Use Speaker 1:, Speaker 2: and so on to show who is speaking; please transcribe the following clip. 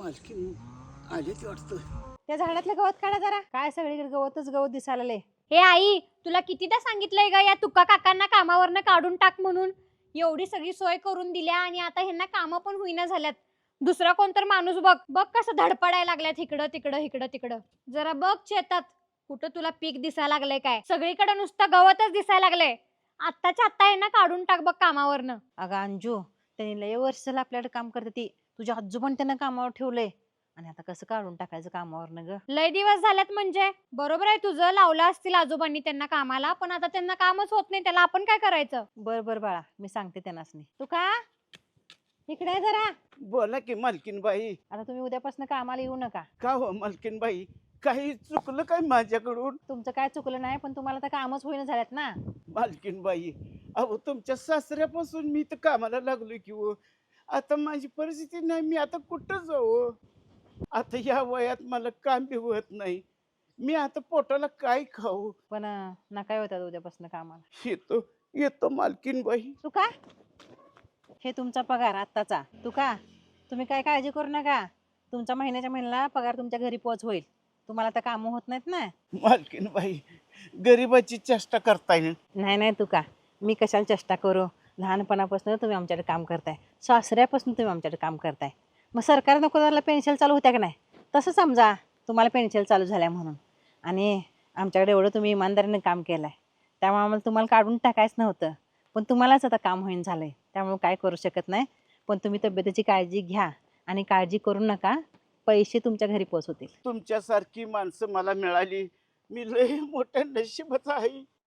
Speaker 1: मालकीन आलेच वाटतं.
Speaker 2: त्या झाडातलं गवत काढा जरा. काय सगळीकडे गवतच गवत दिसायला लागले.
Speaker 3: हे आई, तुला कितीदा सांगितलंय ग या तुका काकांना कामावरनं काढून टाक म्हणून. एवढी सगळी सोय करून दिल्या आणि आता ह्यांना कामं पण होईना झाल्यात. दुसरा कोणतर माणूस बघ बघ कसं धडपडायला लागल्यात इकडं तिकडं इकडं तिकडं. जरा बघ शेतात कुठं तुला पीक दिसायला लागलंय काय? सगळीकडे नुसतं गवतच दिसायला लागलंय. आत्ताच्या आत्ता ह्यांना काढून टाक बघ कामावरनं.
Speaker 2: अगं अंजू, त्यांनी लय वर्ष झालं आपल्याकडे काम करते ती. तुझ्या आजोबांनी त्यांना कामावर ठेवलंय आणि आता कसं काढून टाकायचं कामावरनं ग?
Speaker 3: लय दिवस झाल्यात म्हणजे. बरोबर आहे तुझं, लावलं असतील आजोबांनी त्यांना कामाला, पण आता त्यांना कामच होत नाही, त्याला आपण काय करायचं?
Speaker 2: बर बर बाळा, मी सांगते त्यांनाच नाही. तू का इकडे जरा.
Speaker 1: बोला की मालकीन बाई.
Speaker 2: आता तुम्ही उद्यापासून कामाला येऊ नका.
Speaker 1: का हो मालकीन बाई, काही चुकलं काय माझ्याकडून?
Speaker 2: तुमचं काय चुकलं नाही, पण तुम्हाला तर कामच होईना झाल्यात ना.
Speaker 1: मालकीन बाई, अहो तुमच्या सासऱ्यापासून मी तर कामाला लागलोय की हो. आता माझी परिस्थिती नाही, मी आता कुठं जाऊ? आता या वयात मला काम बी होत नाही. मी आता पोटाला काय खाऊ?
Speaker 2: पण नका होतात उद्यापासून कामाला.
Speaker 1: येतो येतो मालकीन बाई.
Speaker 2: तू का हे तुमचा पगार आत्ताचा. तू का तुम्ही काय काळजी करू नका. तुमचा महिन्याच्या महिन्याला पगार तुमच्या घरी पोच होईल. तुम्हाला तर कामं होत नाहीत ना.
Speaker 1: मालकीन बाई, गरिबाची चेष्टा करताय ना.
Speaker 2: नाही नाही, तू का मी कशाला चेष्टा करू. लहानपणापासून तुम्ही आमच्याकडे काम करताय, सासऱ्यापासून तुम्ही आमच्याकडे काम करताय. मग सरकार नको झालं पेन्शन चालू होत्या का नाही? तसं समजा तुम्हाला पेन्शन चालू झाल्या म्हणून. आणि आमच्याकडे एवढं तुम्ही इमानदारीने काम केलं आहे, त्यामुळे आम्हाला तुम्हाला काढून टाकायचं नव्हतं. पण तुम्हालाच आता काम होईन झालं आहे, त्यामुळे काय करू शकत नाही. पण तुम्ही तब्येतीची काळजी घ्या आणि काळजी करू नका. पैसे तुमच्या घरी पोच होतील.
Speaker 1: तुमच्यासारखी माणसं मला मिळाली, मी लय मोठ्या नशिबाचा आहे.